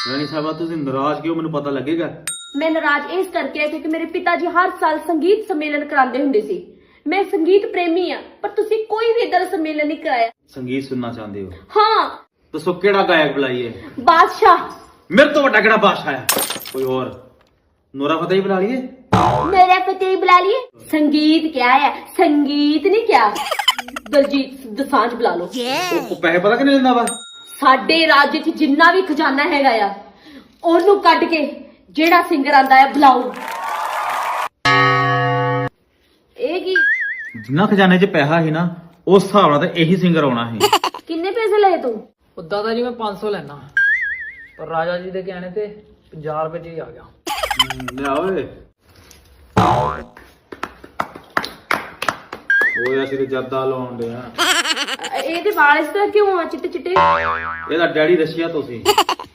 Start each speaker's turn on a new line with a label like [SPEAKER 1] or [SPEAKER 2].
[SPEAKER 1] ਰਾਣੀ ਸਾਹਿਬਾ ਤੁਸੀਂ ਨਾਰਾਜ਼ ਕਿਉਂ, ਮੈਨੂੰ ਪਤਾ ਲੱਗੇਗਾ।
[SPEAKER 2] ਮੈਂ ਨਾਰਾਜ਼ ਇਸ ਕਰਕੇ ਕਿਉਂਕਿ ਮੇਰੇ ਪਿਤਾ ਜੀ ਹਰ ਸਾਲ ਸੰਗੀਤ ਸੰਮੇਲਨ ਕਰਾਉਂਦੇ ਹੁੰਦੇ ਸੀ। ਮੈਂ ਸੰਗੀਤ ਪ੍ਰੇਮੀ ਆ, ਪਰ ਤੁਸੀਂ ਕੋਈ ਵੀ ਇਦਾਂ ਦਾ ਸੰਮੇਲਨ ਨਹੀਂ ਕਰਾਇਆ।
[SPEAKER 1] ਸੰਗੀਤ ਸੁਣਨਾ ਚਾਹੁੰਦੇ ਹੋ?
[SPEAKER 2] ਹਾਂ।
[SPEAKER 1] ਦੱਸੋ ਕਿਹੜਾ ਗਾਇਕ ਬੁਲਾਈਏ?
[SPEAKER 2] ਬਾਦਸ਼ਾਹ।
[SPEAKER 1] ਮੇਰੇ ਤੋਂ ਵੱਡਾ ਕਿਹੜਾ ਬਾਦਸ਼ਾਹ ਹੈ? ਕੋਈ ਹੋਰ? ਨੋਰਾ ਫਤਿਹ ਬੁਲਾ ਲਈਏ?
[SPEAKER 2] मेरा पति बुला लिए। संगीत क्या है, संगीत नहीं क्या। दलजीत दोसांझ बुला लो।
[SPEAKER 1] ਉਹ ਪੈਸੇ ਪਤਾ ਕਿੰਨੇ ਦਿੰਦਾ ਵਾ?
[SPEAKER 2] ਸਾਡੇ ਰਾਜ ਵਿੱਚ ਜਿੰਨਾ ਵੀ ਖਜ਼ਾਨਾ ਹੈਗਾ ਆ ਉਹਨੂੰ ਕੱਢ ਕੇ ਜਿਹੜਾ ਸਿੰਗਰ ਆਂਦਾ ਹੈ ਬੁਲਾਓ। ਇਹ ਕੀ?
[SPEAKER 1] ਜਿੰਨਾ ਖਜ਼ਾਨੇ 'ਚ ਪੈਸਾ ਸੀ ਨਾ ਉਸ ਹਿਸਾਬ ਨਾਲ ਤਾਂ ਇਹੀ ਸਿੰਗਰ ਆਉਣਾ ਸੀ।
[SPEAKER 2] ਕਿੰਨੇ ਪੈਸੇ ਲਏ ਤੂੰ?
[SPEAKER 3] ਉਦਾਂ ਤਾਂ ਜੀ ਮੈਂ 500 ਲੈਣਾ, ਪਰ ਰਾਜਾ ਜੀ ਦੇ ਕਹਿਣੇ ਤੇ 50 ਰੁਪਏ 'ਚ ਹੀ ਆ ਗਿਆ।
[SPEAKER 1] ਲਿਆ ਓਏ। ਓਏ ਅਸੀਂ ਤੇ ਜੱਦਾ ਲਾਉਣ ਡਿਆ।
[SPEAKER 2] ਇਹਦੇ ਵਾਲ ਇਸ ਤਰ੍ਹਾਂ ਕਿਉਂ ਆ ਚਿੱਟੇ ਚਿੱਟੇ?
[SPEAKER 1] ਇਹਦਾ ਡੈਡੀ ਰਸ਼ੀਆ ਤੋਂ ਸੀ।